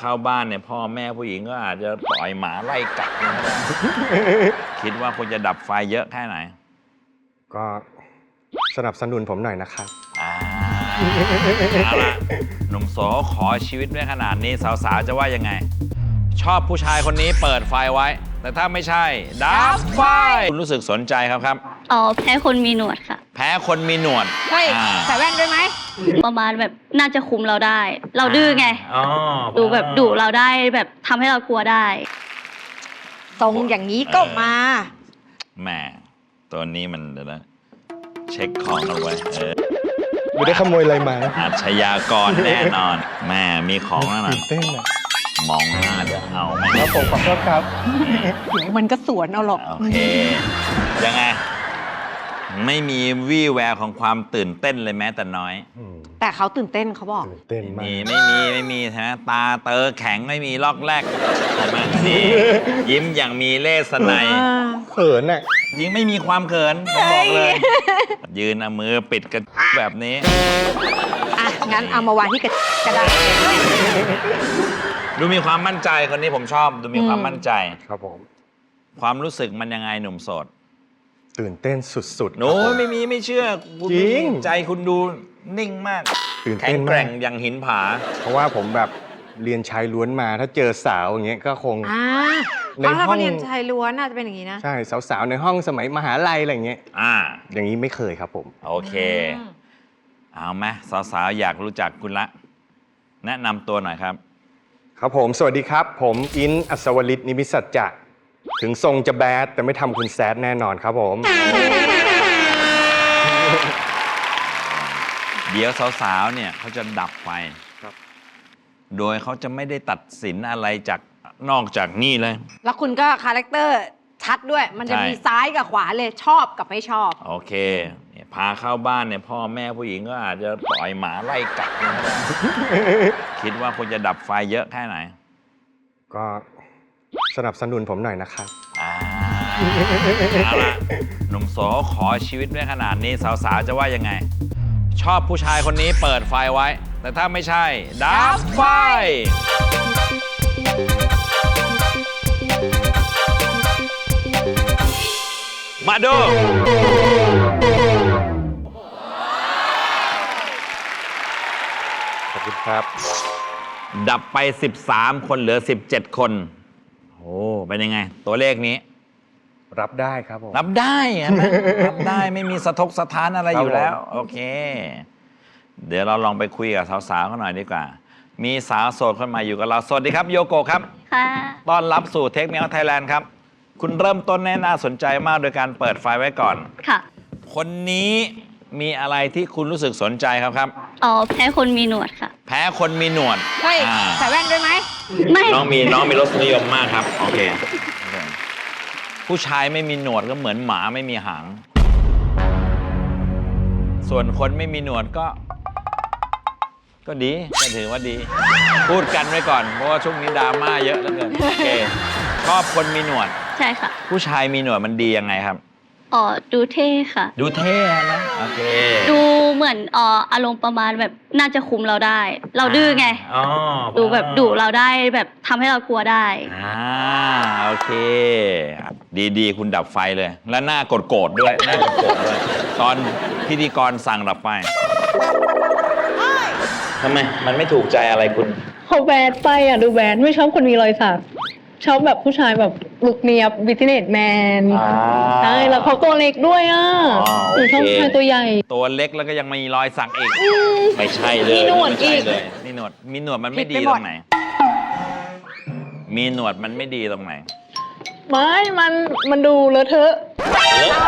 เข้าบ้านเนี่ยพ่อแม่ผู้หญิงก็อาจจะปล่อยหมาไล่กัดนะ คิดว่าคุณจะดับไฟเยอะแค่ไหนก็สนับสนุนผมหน่อยนะครับเอาละหนุ่มโสขอชีวิตไว้ขนาดนี้สาวๆจะว่ายังไง ชอบผู้ชายคนนี้เปิดไฟไว้ แต่ถ้าไม่ใช่ดับไฟคุณรู้สึกสนใจครับอ๋อแพ้คนมีหนวดค่ะแพ้คนมีหนวดเฮ้ยใส่แว่นด้วยไหมประมาณแบบน่าจะคุมเราได้ เราดื้อไงอ๋อดูแบบดุเราได้แบบทำให้เรากลัวได้ทรงอย่างนี้ก็มาแหมตัวนี้มันเดี๋ยวนะเช็คของเอาไว้ไม่ได้ขโมยอะไรมาอาชญากรแน่นอน แม่มีของแล้วนะตื่นเต้นอะมองหน้าเดี๋ยวเอาไหมแล้วผมขอโทษครับเดี๋ยวมันก็สวนเอาหรอกโอเค ยังไง ไม่มีวี่แววของความตื่นเต้นเลยแม้แต่น้อยแต่เขาตื่นเต้นเขาบอกตื่นเต้นมากไม่มีใช่ไหมตาเตอแข็งไม่มีลอกแรกใช่ไหมนี่ยิ้มอย่างมีเลสไนยเขินอ่ะยิงไม่มีความเขินผมบอกเลย ยืนเอามือปิดกันแบบนี้อ่ะ งั้นเอามาวางที่กระดาษดูมีความมั่นใจคนนี้ผมชอบ ดูมีความมั่นใจครับผมความรู้สึกมันยังไงหนุ่มโสดตื่นเต้นสุดๆโน้ครับผมไม่เชื่อคุณจริงใจคุณดูนิ่งมากตื่นแข็เต้งนแกมาร่กงอย่างหินผาเพราะว่าผมแบบเรียนชายล้วนมา ถ้าเจอสาวอย่างเงี้ยก็คงอ่าในเพราะถ้าห้เขาองเรียนชายล้วนน่าจะเป็นอย่างนี้นะใช่สาวๆในห้องสมัยมหาลัยอะไรอย่างเงี้ยอ่าอย่างนี้ไม่เคยครับผมโอเค เอาไหมสาวๆอยากรู้จักคุณละ แนะนำตัวหน่อยครับครับผมสวัสดีครับ ผมอินอัศวลิตนิมิตสัจจะถึงทรงจะแบดแต่ไม่ทำคุณแซดแน่นอนครับผมเดี๋ยวสาวๆเนี่ยเขาจะดับไฟครับโดยเขาจะไม่ได้ตัดสินอะไรจากนอกจากนี่เลยแล้วคุณก็คาแรคเตอร์ชัดด้วย มันจะใช่มีซ้ายกับขวาเลยชอบกับไม่ชอบโอเคเนี่ยพาเข้าบ้านเนี่ยพ่อแม่ผู้หญิงก็อาจจะปล่อยหมาไล่กัดนะ คิดว่าคุณจะดับไฟเยอะแค่ไหนก็สนับสนุนผมหน่อยนะครับเอาละหนุ่มโสขอชีวิตไว้ขนาดนี้สาวๆจะว่ายังไง ชอบผู้ชายคนนี้เปิดไฟไว้ แต่ถ้าไม่ใช่ดับไฟ มาดูขอบคุณครับดับไป 13 คนเหลือ 17 คนโอ้เป็นยังไง ตัวเลขนี้รับได้ครับผมรับได้เห็นไหม รับได้ไม่มีสะทกสะท้านอะไรครับอยู่แล้วผมโอเค เดี๋ยวเราลองไปคุยกับสาวๆเขาหน่อยดีกว่า มีสาวโสดคนใหม่อยู่กับเรา สวัสดีครับโยโกะครับค่ะต้อนรับสู่เทคเมียไทยแลนด์ครับ คุณเริ่มต้นแน่น่าสนใจมากโดยการเปิดไฟไว้ก่อนค่ะคนนี้มีอะไรที่คุณรู้สึกสนใจครับอ๋อแพ้คนมีหนวดค่ะแพ้คนมีหนวดเฮ้ยอ่าใส่แว่นด้วยไหมไม่น้องมีรสนิยมมากครับ โอเค ผู้ชายไม่มีหนวดก็เหมือนหมาไม่มีหาง ส่วนคนไม่มีหนวดก็ดีก็ถือว่าดี พูดกันไว้ก่อน เพราะว่าช่วงนี้ดราม่าเยอะเหลือเกินโอเคชอบคนมีหนวดใช่ค่ะผู้ชายมีหนวดมันดียังไงครับอ๋อดูเท่ค่ะดูเท่นะโอเคดูเหมือนอารมณ์ประมาณแบบน่าจะคุมเราได้ เราดื้อไงอ๋อดูแบบดุเราได้แบบทำให้เรากลัวได้โอเค ดีคุณดับไฟเลย และหน้าโกรธๆด้วยหน้าโกรธๆด้วย ตอนพิธีกรสั่งดับไฟทำไมมันไม่ถูกใจอะไรคุณเขาแบดไปอ่ะ ดูแบดไม่ชอบคนมีรอยสักชอบแบบผู้ชายแบบลุคเนียบบิทเนสแมนใช่แล้วเขาตัวเล็กด้วยอ่ะอ๋อหนูชอบโอเคผู้ชายตัวใหญ่ตัวเล็กแล้วก็ยังมีรอยสักอีก ไม่ใช่เลยมีหนวดไม่ใช่อีกเลยมีหนวดมันไม่ดีผิดไปตหมรดงไหน มีหนวดมันไม่ดีตรงไหนไม่มันดูเลอะเทอะ